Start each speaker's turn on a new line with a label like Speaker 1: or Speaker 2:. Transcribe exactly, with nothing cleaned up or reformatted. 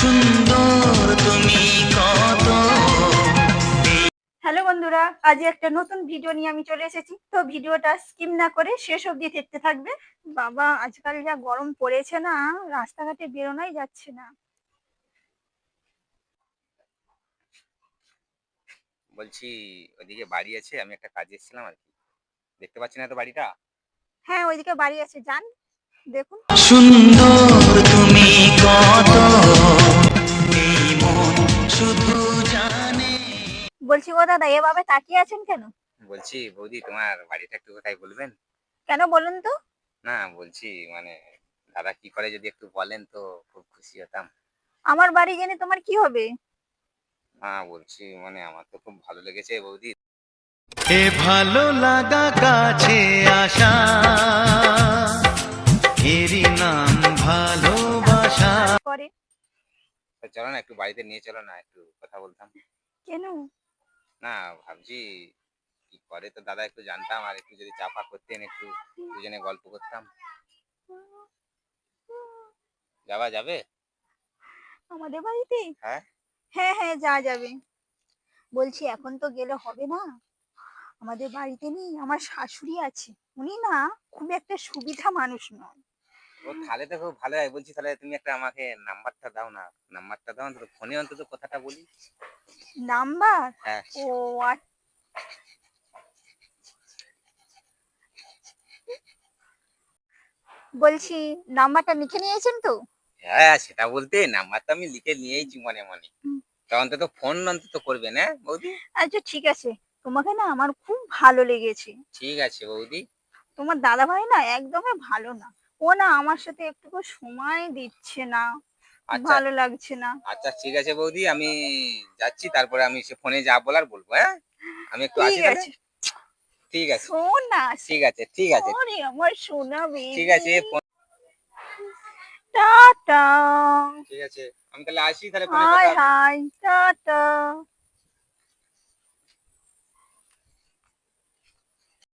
Speaker 1: সুন্দর তুমি কত।
Speaker 2: হ্যালো বন্ধুরা, আজ একটা নতুন ভিডিও নিয়ে আমি চলে এসেছি। তো ভিডিওটা স্কিপ না করে শেষ অবধি দেখতে থাকবে। বাবা, আজকাল যা গরম পড়েছে না, রাস্তাঘাটে বেরোনোই যাচ্ছে না।
Speaker 3: বলছি ওইদিকে বাড়ি আছে, আমি একটা কাজে এসেছিলাম আর কি। দেখতে পাচ্ছি না তো বাড়িটা?
Speaker 2: হ্যাঁ, ওইদিকে বাড়ি আছে, যান দেখুন।
Speaker 1: সুন্দর তুমি কত, এই মন শুধু জানে।
Speaker 2: বলছি ও দাদা, এভাবে তাকিয়ে আছেন কেন?
Speaker 3: বলছি বৌদি, তোমার বাড়িটা একটু কোথায় বলবেন?
Speaker 2: কেন বলুন তো?
Speaker 3: না বলছি মানে দাদা কি করে যদি একটু বলেন তো খুব খুশি হতাম।
Speaker 2: আমার বাড়ি জেনে তোমার কি হবে?
Speaker 3: না বলছি মানে আমার তো খুব ভালো লেগেছে বৌদি।
Speaker 1: এ ভালো লাগা কাছে আসা, এরই নাম ভালোবাসা।
Speaker 2: করে
Speaker 3: তো চলো না একটু বাড়িতে নিয়ে চলো না, একটু কথা বলতাম।
Speaker 2: কেন?
Speaker 3: না ভাবছি কি করে তো দাদা একটু জানতাম, আর একটু যদি চাপা করতেন, একটু দুজনে গল্প করতাম। যাওয়া যাবে?
Speaker 2: আমাদের বাড়িতে?
Speaker 3: হ্যাঁ।
Speaker 2: হ্যাঁ হ্যাঁ, যা যাবে। বলছি এখন তো গেলে হবে না। আমাদের বাড়িতে নেই, আমার শাশুড়ি আছে। উনি না খুব একটা সুবিধা মানুষ নয়।
Speaker 3: ও তাহলে তো খুব ভালো হয়। বলছি তাহলে তুমি একটা আমাকে নাম্বারটা দাও না, নাম্বারটা দাও অন্তত, ফোনে অন্তত কথাটা বলি।
Speaker 2: নাম্বার?
Speaker 3: হ্যাঁ।
Speaker 2: ও আচ্ছা। বলছি নাম্বারটা লিখে নিয়েছেন তো?
Speaker 3: হ্যাঁ সেটা বলতে নাম্বারটা আমি লিখে নিয়েইছি মনে মনে।
Speaker 2: হুম।
Speaker 3: তা অন্তত ফোন অন্তত করবে না বৌদি?
Speaker 2: আচ্ছা ঠিক আছে, তোমাকে না আমার খুব ভালো লেগেছে।
Speaker 3: ঠিক আছে বৌদি।
Speaker 2: তোমার দাদা ভাই না একদমই ভালো না। ও না আমার সাথে একটুকু সময় দিচ্ছে না।
Speaker 3: আচ্ছা
Speaker 2: ভালো লাগছে না।
Speaker 3: আচ্ছা ঠিক আছে বৌদি, আমি যাচ্ছি, তারপরে আমি সে ফোনে যা বলার বলবো। হ্যাঁ আমি একটু আসি
Speaker 2: ঠিক
Speaker 3: তাহলে।
Speaker 2: আছে।
Speaker 3: ঠিক আছে
Speaker 2: শোন না।
Speaker 3: ঠিক আছে ঠিক আছে
Speaker 2: আরে আমার সোনা
Speaker 3: ঠিক
Speaker 2: বেবি।
Speaker 3: আছে ফোন।
Speaker 2: টাটা।
Speaker 3: ঠিক আছে আমি তাহলে আসি, তাহলে ফোনে
Speaker 2: হাই
Speaker 3: কথা হবে।
Speaker 2: Hi tata.